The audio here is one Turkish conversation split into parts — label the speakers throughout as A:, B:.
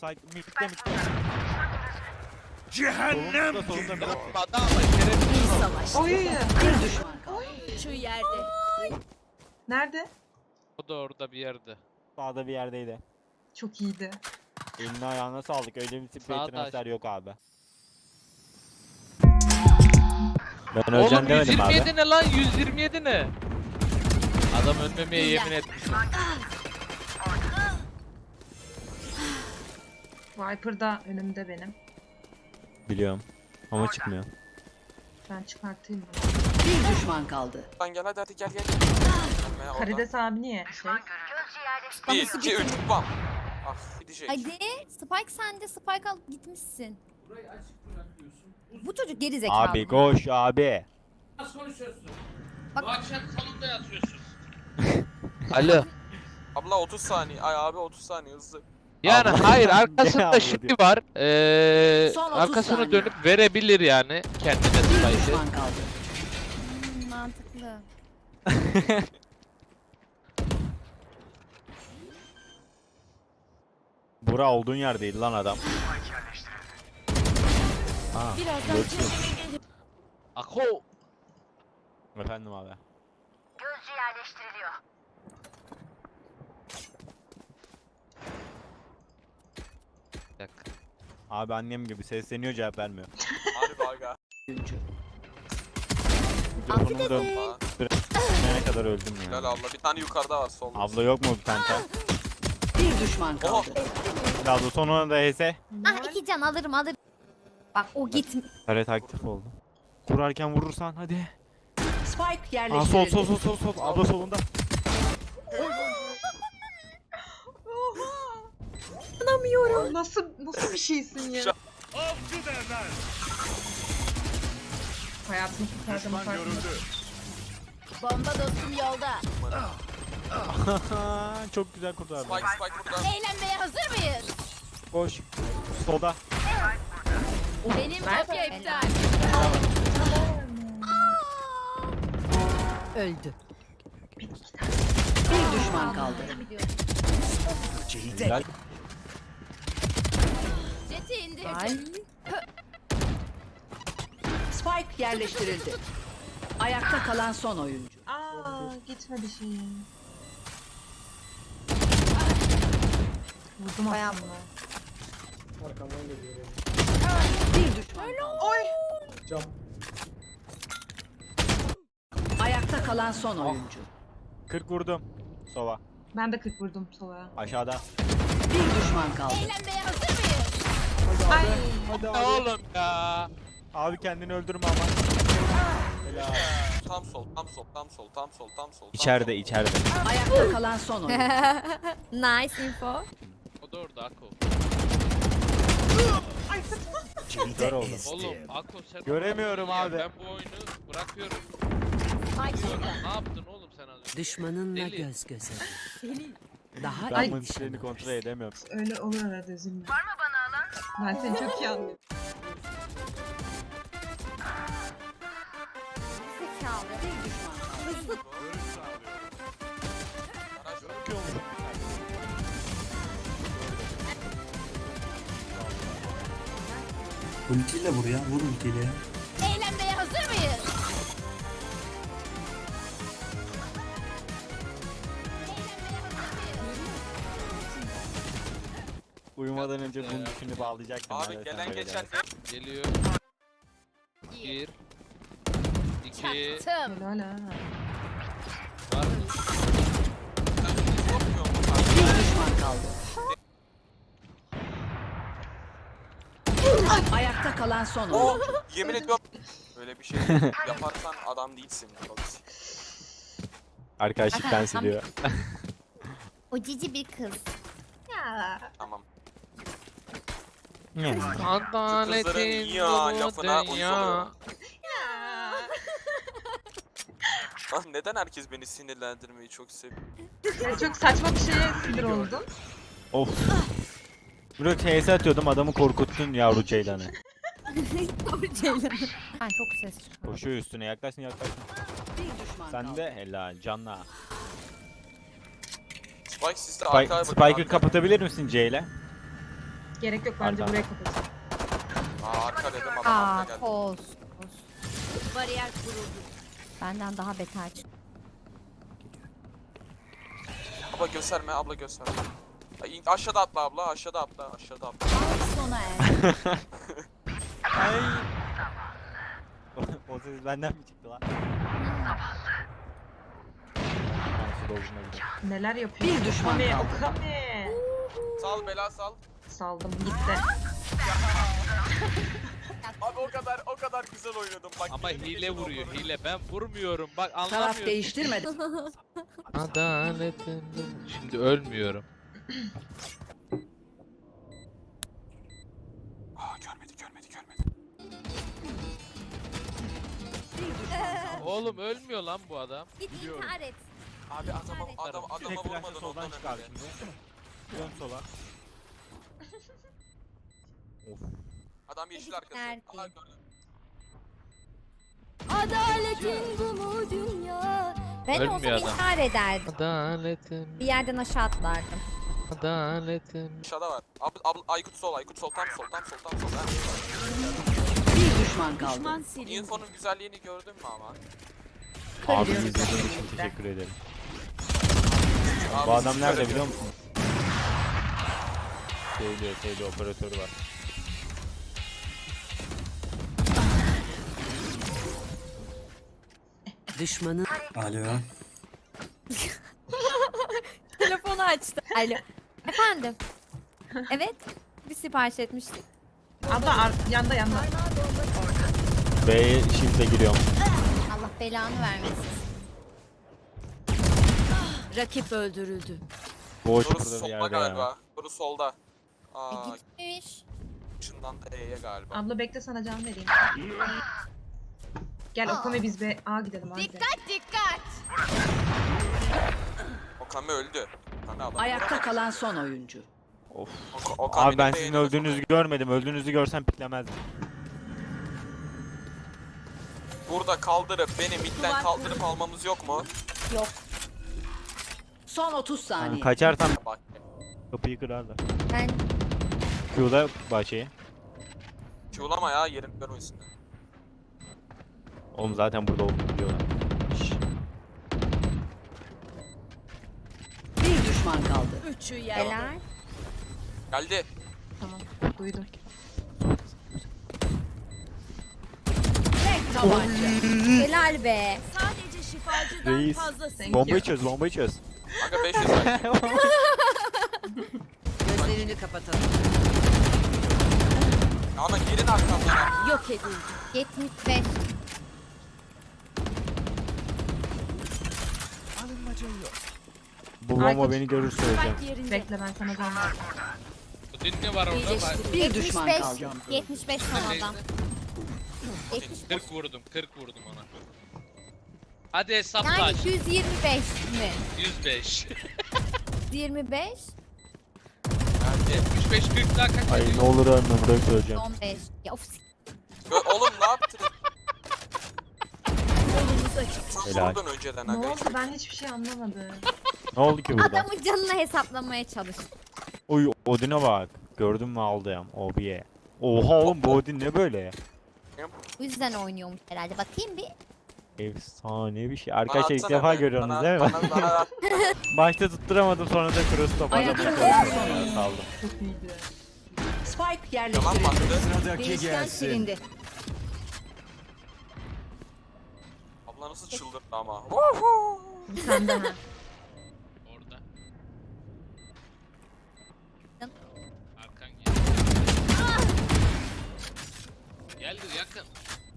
A: Sait mitte.
B: Cehennem
A: Solunda biraz.
C: İyi savaş.
D: Oy.
C: Bir düşman kaldı.
E: Şu yerde.
D: Nerede?
B: O da orada bir yerde.
A: Sağda bir yerdeydi.
D: Çok iyiydi.
A: Eline ayağına sağlık. Öyle bir sprey
B: Sağda
A: transfer yok abi. Ben
B: Oğlum
A: öleceğim demedim abi.
B: 127 ne lan? 127 ne? Adam ölmemeye yemin etmiş.
D: Viper da önümde benim.
A: Biliyorum. Ama çıkmıyor.
D: Ben çıkartayım bunu.
C: Bir düşman kaldı.
F: Lan gel hadi gel. Gelmeye oradan.
D: Karides abi niye?
F: Bir,
E: Nasıl
F: iki, üç, bam. Ah gidecek.
E: Hadi. Spike sende. Spike alıp gitmişsin. Bu çocuk geri zekalı.
A: Abi koş abi.
B: Nasıl konuşuyorsun?
E: Bak-
B: Bu akşam salonda yatıyorsun. Alo.
F: Abla 30 saniye. Ay abi 30 saniye hızlı.
B: Yani
A: Abla-
B: hayır
A: Gel
B: arkasında
A: abla
B: şimdi
A: diyor.
B: var.
C: Son 30
B: Arkasını
C: saniye.
B: dönüp verebilir yani kendine
C: Bir
B: spike'ı.
C: düşman kaldı.
E: Mantıklı.
A: Bura olduğun yerdeydi lan adam. Aa,
E: Birazdan
A: görüşürüz.
B: Ako.
A: Efendim abi.
B: Bir dakika.
A: Abi annem gibi sesleniyor cevap vermiyor.
F: Harbi aga.
C: Oyuncu.
A: Mikrofonumu da
F: Aa,
A: ne kadar öldüm
F: Helal
A: ya.
F: abla. Bir tane yukarıda var solda.
A: Abla yok mu bir tane?
C: Bir düşman
F: Oha.
C: kaldı.
A: Abla sonuna da HS.
E: Ah 2 can alırım. Bak o git.
A: Taret aktif oldu. Kurarken vurursan hadi.
C: Spike
A: Aa
C: yerleştirildi.
A: sol. Abla solunda.
D: İnanamıyorum. Nasıl bir şeysin ya? Hayatımı kurtardım.
E: Bomba dostum yolda.
A: Çok güzel kurtardı.
F: Spike burada.
E: Eğlenmeye hazır mıyız?
A: Koş. Solda.
E: Benim kopya iptal.
C: Öldü. Bir düşman kaldı.
A: Helal.
E: Jeti indir.
C: Spike yerleştirildi. Ayakta kalan son oyuncu.
D: Aa gitmedi şeyim. Vurdum
E: Bayağı
D: aslında.
C: Bir düşman kaldı.
D: Oy.
C: Ayakta kalan son oyuncu.
A: 40 vurdum. Sova.
D: Ben de 40 vurdum sola.
A: Aşağıda.
C: Bir düşman kaldı.
E: Eğlenmeye hazır mıyız?
D: Ay.
A: Hadi
B: Ne oğlum ya?
A: Abi kendini öldürme ama. Helal.
F: Tam sol.
A: İçeride.
C: Ayakta kalan son oyuncu.
E: Nice info.
B: O da orada Ako.
A: Kör oldum.
B: Oğlum Ako sen
A: Göremiyorum
B: ya.
A: abi.
B: Ben bu oyunu bırakıyorum.
E: Spike
B: Diyorum,
E: şurada.
B: ne yaptın oğlum sen az önce?
C: Düşmanınla
B: Deli.
C: göz göze. Daha
A: Ben
C: iyi
A: bu işlerini kontrol edemiyorum.
D: Öyle olur arada üzülme. Var mı bana alan? Ben seni çok iyi anlıyorum.
E: Zekalı.
C: bir düşman kaldı.
G: Ultiyle vur ya, vur ultiyle.
E: Eğlenmeye hazır mıyız?
A: Uyumadan önce bunun düşünü bağlayacaktım.
F: Abi
A: ben de
F: gelen
A: sen böyle
F: geçen
A: dersin.
B: Geliyor. 1 2
E: Çaktım.
D: Helal ha.
B: var mı?
C: Bir düşman kaldı. Ayakta kalan son
F: Oh,
C: oyuncu.
F: yemin ediyorum. Böyle bir şey yaparsan adam değilsin.
A: Arkadaşlık dans ediyor.
E: O cici bir kız. Ya.
F: Tamam.
B: Adaletin
F: Kızların ya
B: bu
F: lafına uyuz
B: dünya.
F: oluyorum. Lan neden herkes beni sinirlendirmeyi çok seviyor?
D: Ya çok saçma bir şeye sinir oldum.
A: Of. Bro HS atıyordum adamı korkuttun yavru ceylanı.
E: Ben çok ses çıkıyor.
A: Koşuyor üstüne yaklaşsın.
C: Bir düşman
A: Sen
C: kaldı.
A: de helal canla.
F: Spike sizde arkaya bakın.
A: Spike'ı
F: arkaya.
A: kapatabilir misin C ile?
D: Gerek yok bence
A: Arka.
D: buraya kapatın.
F: Arka dedim adam
E: Aa
F: arkaya geldi.
E: koz.
C: Bariyer kuruldu.
E: Benden daha beter çıktı.
F: Abla gösterme, abla gösterme. Ay, aşağıda atla abla, aşağıda atla, aşağıda atla.
C: Sona erdi.
A: Ay. O ses benden mi çıktı lan? Ben su doldurma gidiyorum.
D: Neler yapıyor?
C: Bir düşman
D: Okame,
C: kaldı.
D: Okame.
F: Sal bela sal.
D: Saldım gitti.
F: Abi o kadar güzel oynadım bak.
B: Ama
F: yine
B: hile
F: geçen
B: vuruyor
F: onları.
B: hile. Ben vurmuyorum. Bak
C: Taraf
B: anlamıyorum.
C: değiştirmedi.
B: Adaletin. Şimdi ölmüyorum.
F: Aa görmedi.
B: Oğlum ölmüyor lan bu adam.
E: Git intihar et.
F: Abi adama
A: Tek flash'ı
F: vurmadın
A: soldan
F: ondan
A: çıkar
F: önce.
A: şimdi. Dön sola. Of.
F: Adam yeşil arkası.
E: Nerede?
F: Aha gördüm.
E: Adaletin bu mu dünya? Ben
B: Ölmüyor
E: olsam
B: adam.
E: intihar ederdim.
B: Adaletim.
E: Bir yerden aşağı atlardım.
B: Adaletim.
F: Aşağıda var. Abla Aykut sol tam sol. Ha.
C: Bir düşman kaldı. Düşman
F: Info'nun güzelliğini gördün mü ama?
A: Abi
C: Kırıyoruz.
A: izlediğiniz için teşekkür ederim.
F: Abi,
A: Bu adam
F: siz
A: nerede
F: şöyle
A: biliyor musun? Şeyde operatörü var.
C: Düşmanın
G: Alo.
E: Telefonu açtı. Alo. Efendim. Evet. Bir sipariş etmiştik.
D: Abla yanda.
A: B'ye shift'e giriyorum.
E: Allah belanı vermesin.
C: rakip öldürüldü.
A: Boş
F: Doğru
A: burada bir
F: solda
A: yerde
F: galiba.
A: ya.
F: Doğru solda. Aa,
E: Gitmiş.
F: ışından da E'ye galiba.
D: Abla bekle sana can vereyim. Gel Okame biz be A gidelim hadi.
E: Dikkat.
F: Okame öldü. Okame adam.
C: Ayakta kalan son oyuncu.
A: Of.
F: Okame'nin
A: Abi ben
F: de
A: sizin
F: yeni
A: öldüğünüzü görmedim. Öldüğünüzü görsem piklemezdim.
F: Burada kaldırıp beni midden kaldırıp almamız yok mu?
E: Yok.
C: Son 30
A: Yani
C: saniye.
A: kaçarsam
F: Bak.
A: kapıyı kırarlar.
E: Ben
A: Q'da bahçeyi.
F: Çuğlama ya yerini görmesin.
A: Oğlum zaten burada olduğunu biliyorlar. Şşş.
C: Bir düşman kaldı. Üçü
E: helal.
F: Geldi.
D: Tamam duydum.
C: Tek tabanca.
E: Helal be.
C: Sadece şifacıdan
A: Reis.
C: fazlası.
A: Bombayı çöz.
F: Aga 500 ver.
C: Gözlerini kapatalım.
F: Ama girin arkamdan.
C: Yok edildi.
E: 75.
A: Bu bomba
D: Aykut.
A: beni görür söyleyeceğim.
C: Yerinde.
D: Bekle ben sana can vereyim.
B: Bu din ne var orada? Bak,
C: Bir düşman
E: 75.
C: kaldı.
E: 75 son adam.
B: 40 vurdum ona. Hadi hesapla.
E: Yani 125 mi?
B: 105.
E: 25,
F: Geldi.
B: 75 40 daha kaç
A: Ay
B: ediyor?
A: ne olur ölme burayı söyleyeceğim.
E: 15. Ya of.
F: Oğlum ne yaptın?
C: Yolumuz açık.
F: Çok
A: Helal.
F: vurdun önceden
D: Ne
F: aga.
D: oldu ben hiçbir şey anlamadım.
A: Ne oldu ki burada?
E: Adamın canını hesaplamaya çalış.
A: Oy Odin'e bak. Gördün mü aldım. Obiye. Oha oğlum bu Odin ne böyle?
E: Bu yüzden oynuyormuş herhalde. Bakayım bir.
A: Efsane bir şey.
F: Bana
A: Arkadaşlar ilk
F: atsana
A: defa
F: be.
A: görüyorsunuz
F: Bana-
A: değil mi?
F: Bana at.
A: Başta tutturamadım sonra da cross top
C: Ayakta
A: aldım.
C: kalan son oyuncu.
A: Saldım.
D: Çok iyiydi.
C: Spike
F: Yalan mı
C: yerleştirildi.
F: attı?
C: Değişken silindi.
F: Abla nasıl çıldırdı ama.
D: Sen de ha.
B: Orada.
E: Yan-
B: Arkan gel. Geldir yakın.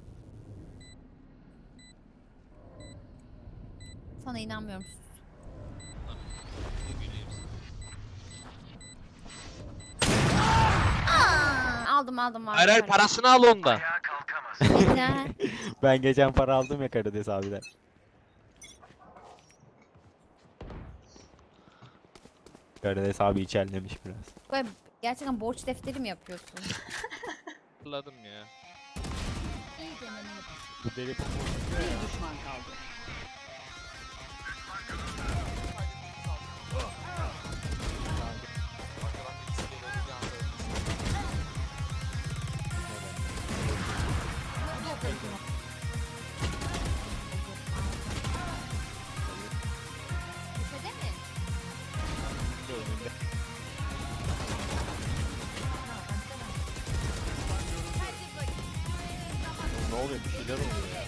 E: Sana inanmıyorum.
B: Ne güleyim
E: Aldım.
B: Hayır parasını al ondan.
E: Güzel.
A: Ben geçen para aldım ya Karides abiden. Karides abi içerlemiş biraz.
E: Böyle gerçekten borç defteri mi yapıyorsun?
B: Hatırladım ya.
A: Bu deli
C: Bir düşman kaldı.
A: oluyor? Bir şeyler oluyor ya.